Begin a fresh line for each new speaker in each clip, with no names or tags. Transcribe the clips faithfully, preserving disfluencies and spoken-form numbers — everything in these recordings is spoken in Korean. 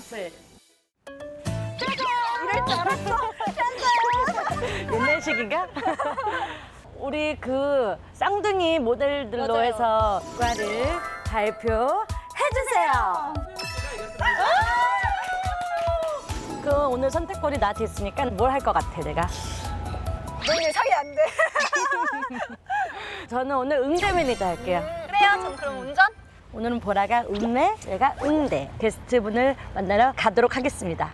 캔슬.
이럴 줄 알았어.
옛날식인가? 우리 그 쌍둥이 모델들로
맞아요.
해서 과를 발표해주세요. 그 오늘 선택권이 나한테 있으니까 뭘 할 것 같아, 내가?
너 예상이 안 돼.
저는 오늘 응대 매니저 할게요.
그래요? 전 그럼 운전?
오늘은 보라가 음대, 내가 응대. 게스트분을 만나러 가도록 하겠습니다.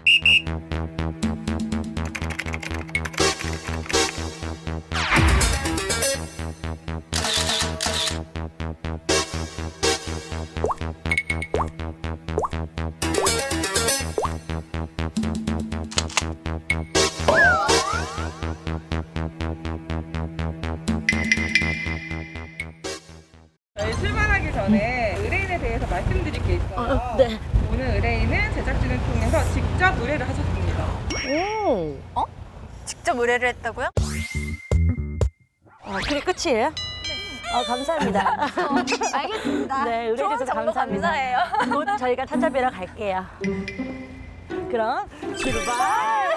저희 출발하기 전에 의뢰인에 대해서 말씀드릴 게 있어요.
네.
오늘 의뢰인은 제작진을 통해서 직접 의뢰를 하셨습니다.
오.
직접 의뢰를 했다고요?
어, 그게 끝이에요? 어, 감사합니다.
알겠습니다.
네, 의뢰해주셔서
좋은 정보
감사합니다.
감사해요.
곧 저희가 찾아뵈러 갈게요. 그럼 출발!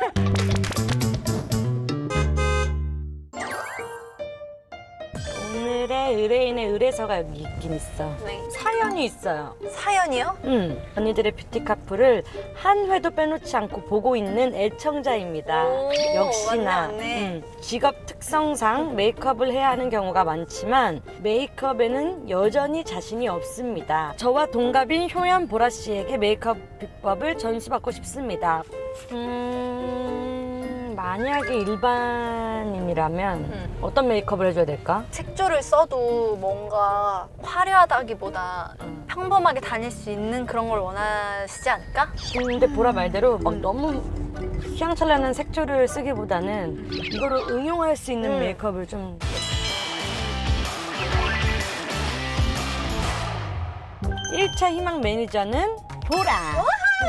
오늘의 의뢰인의 의뢰서가 여기 있긴 있어.
네.
사연이 있어요.
사연이요?
음, 언니들의 뷰티 카풀을 한 회도 빼놓지 않고 보고 있는 애청자입니다.
오,
역시나
맞네, 맞네.
음, 직업 특성상 메이크업을 해야 하는 경우가 많지만 메이크업에는 여전히 자신이 없습니다. 저와 동갑인 효연 보라 씨에게 메이크업 비법을 전수받고 싶습니다. 음, 만약에 일반인이라면
음.
어떤 메이크업을 해줘야 될까?
색조를 써도 뭔가 화려하다기보다
음.
평범하게 다닐 수 있는 그런 걸 원하시지 않을까?
근데 보라 말대로 막 너무 휘황찬란한 색조를 쓰기보다는 이거를 응용할 수 있는
음.
메이크업을 좀 일 차 희망 매니저는 보라.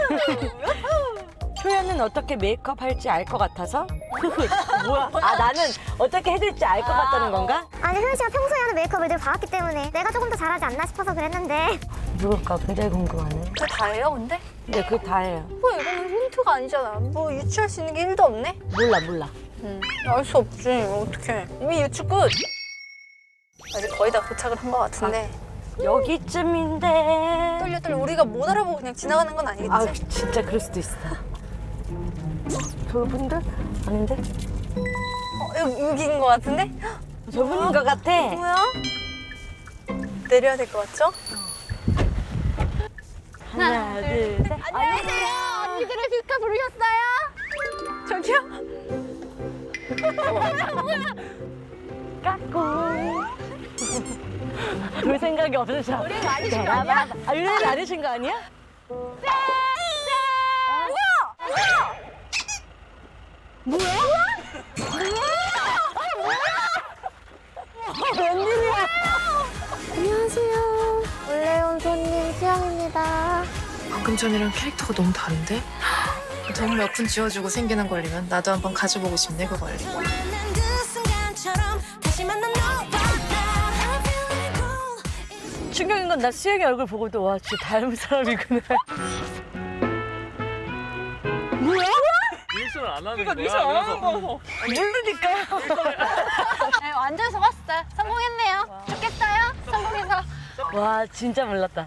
효연은 어떻게 메이크업 할지 알 것 같아서? 뭐야? 아, 나는 어떻게 해줄지 알 것 같다는 건가?
아니 효연 씨가 평소에 하는 메이크업을 늘 봐왔기 때문에 내가 조금 더 잘하지 않나 싶어서 그랬는데
누굴까? 굉장히 궁금하네.
그게 다예요, 근데?
근데 그게 다예요.
뭐 이거는 힌트가 아니잖아. 뭐 유추할 수 있는 게 일도 없네?
몰라, 몰라.
응. 알 수 없지. 어떡해. 이미 유추 끝. 이제 거의 다 도착을 한 것 같은데.
여기쯤인데.
떨려 떨려. 우리가 못 알아보고 그냥 지나가는 건 아니겠지?
아, 진짜 그럴 수도 있어. 저분들? 아닌데?
어, 여기, 여기인 것 같은데?
저분인 것 같아.
뭐야? 내려야 될 것 같죠?
하나, 둘, 셋.
안녕하세요. 언니들의 뷰카 부르셨어요? 저기요?
까꿍. 볼 생각이 없으셔.
우리 아니신 거 아니야?
아, 우리 아니신 거 아니야?
뭐야?
웬일이야?
안녕하세요 원래 온 손님 수영입니다.
방금 전이랑 캐릭터가 너무 다른데? 너무 몇 푼 쥐어주고 생기는 걸리면 나도 한번 가져보고 싶네 그 권리.
충격인 건 나 수영이 얼굴 보고도 와, 진짜 닮은 사람이구나.
리액션을 안 하는
그러니까
거야.
미션 안 하는
그래서
거.
모르니까요.
네, 완전 속았어요. 성공했네요. 좋겠어요? 성공해서.
와, 진짜 몰랐다.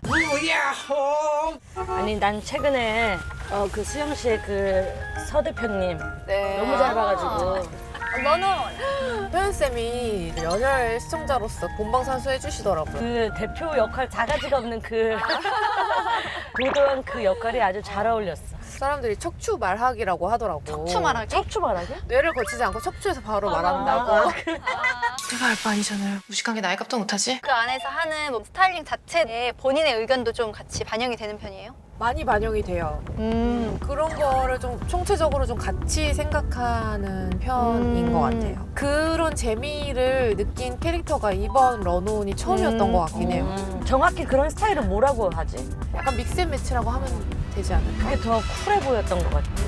아니, 난 최근에 어, 그 수영 씨의 그 서 대표님
네.
너무 잘 봐가지고.
너는
효연쌤이 연혈 시청자로서 본방사수 해주시더라고요.
그 대표 역할 자가지가 없는 그 도도한 그 역할이 아주 잘 어울렸어.
사람들이 척추 말하기라고 하더라고.
척추 말하기?
척추 말하게?
뇌를 거치지 않고 척추에서 바로 말한다고. 내가 알 바 아니잖아요. 무식한 게 나이 값도 못하지?
그 안에서 하는 뭐 스타일링 자체에 본인의 의견도 좀 같이 반영이 되는 편이에요?
많이 반영이 돼요.
음.
그런 거를 좀 총체적으로 좀 같이 생각하는 편인
음.
것 같아요. 그런 재미를 느낀 캐릭터가 이번 런온이 처음이었던
음.
것 같긴 해요.
음, 정확히 그런 스타일을 뭐라고 하지?
약간 믹스앤매치라고 하면 되지 않을까?
그게 더 쿨해 보였던 것 같지.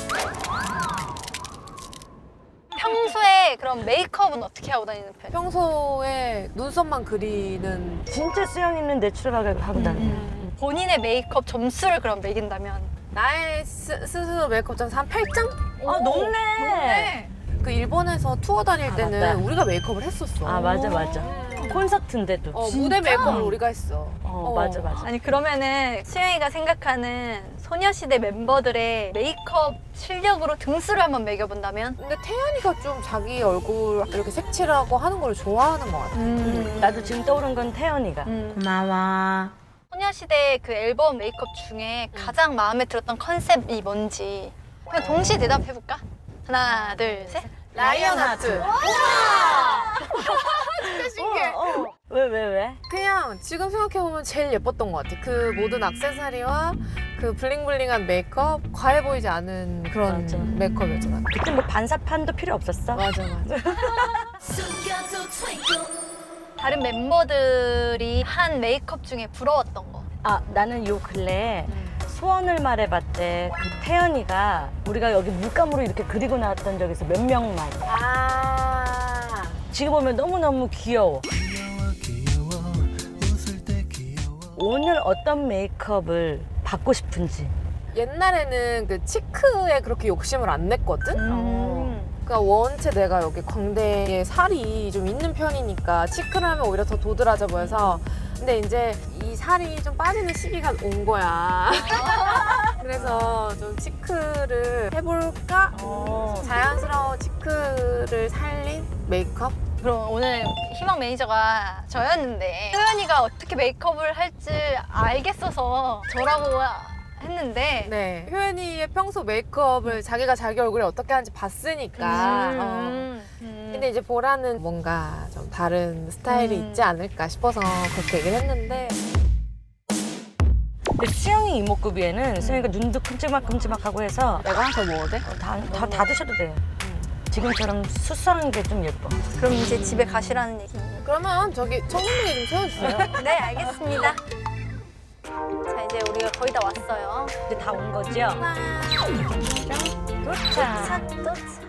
평소에 그럼 메이크업은 어떻게 하고 다니는 편이에요?
평소에 눈썹만 그리는
진짜 수영 있는 내추럴하게 하고 다녀.
본인의 메이크업 점수를 그럼 매긴다면
나의 스, 스스로 메이크업 점수 한 팔 점?
아 높네.
그 일본에서 투어 다닐
아,
때는
맞다.
우리가 메이크업을 했었어.
아 맞아 맞아. 콘서트인데도.
어, 무대 메이크업을 우리가 했어.
어, 맞아 맞아.
아니 그러면은 수영이가 생각하는 소녀시대 멤버들의 메이크업 실력으로 등수를 한번 매겨본다면?
근데 태연이가 좀 자기 얼굴 이렇게 색칠하고 하는 걸 좋아하는 것 같아.
음.
나도 지금 떠오른 건 태연이가.
음.
고마워.
소녀시대 그 앨범 메이크업 중에 가장 마음에 들었던 컨셉이 뭔지 그냥 동시에 대답해볼까? 하나, 둘, 셋.
라이언 하트. 진짜 신기해.
어, 어. 왜, 왜, 왜?
그냥 지금 생각해보면 제일 예뻤던 것 같아. 그 모든 액세서리와 그 블링블링한 메이크업, 과해 보이지 않은 그런
맞아.
메이크업이었잖아.
그때 뭐 반사판도 필요 없었어?
맞아, 맞아.
다른 멤버들이 한 메이크업 중에 부러웠던 거.
아, 나는 요 근래에 소원을 말해봤대. 그 태연이가 우리가 여기 물감으로 이렇게 그리고 나왔던 적에서 몇 명만.
아.
지금 보면 너무너무 귀여워. 오늘 어떤 메이크업을 받고 싶은지.
옛날에는 그 치크에 그렇게 욕심을 안 냈거든?
어.
그러니까 원체 내가 여기 광대에 살이 좀 있는 편이니까 치크를 하면 오히려 더 도드라져 보여서 근데 이제 이 살이 좀 빠지는 시기가 온 거야. 그래서 좀 치크를 해볼까?
어.
자연스러운 치크를 살린 메이크업?
그럼 오늘 희망 매니저가 저였는데 소연이가 어떻게 메이크업을 할지 알겠어서 저라고 했는데
네. 효연이의 평소 메이크업을 자기가 자기 얼굴에 어떻게 하는지 봤으니까. 어.
음. 음.
근데 이제 보라는 뭔가 좀 다른 스타일이
음.
있지 않을까 싶어서 그렇게 얘기를 했는데
근데 수영이 이목구비에는 수영이가 눈도 큼지막큼지막하고 해서
내가 하나 더 먹어도 돼?
다, 다, 다 드셔도 돼요. 지금처럼 수수한 게 좀 예뻐.
그럼 이제 집에 가시라는 얘기.
그러면 저기 청국장에 좀 채워주세요.
네, 알겠습니다. 자, 이제 우리가 거의 다 왔어요.
이제 다 온 거죠?
짠.
도착.
도착, 도착.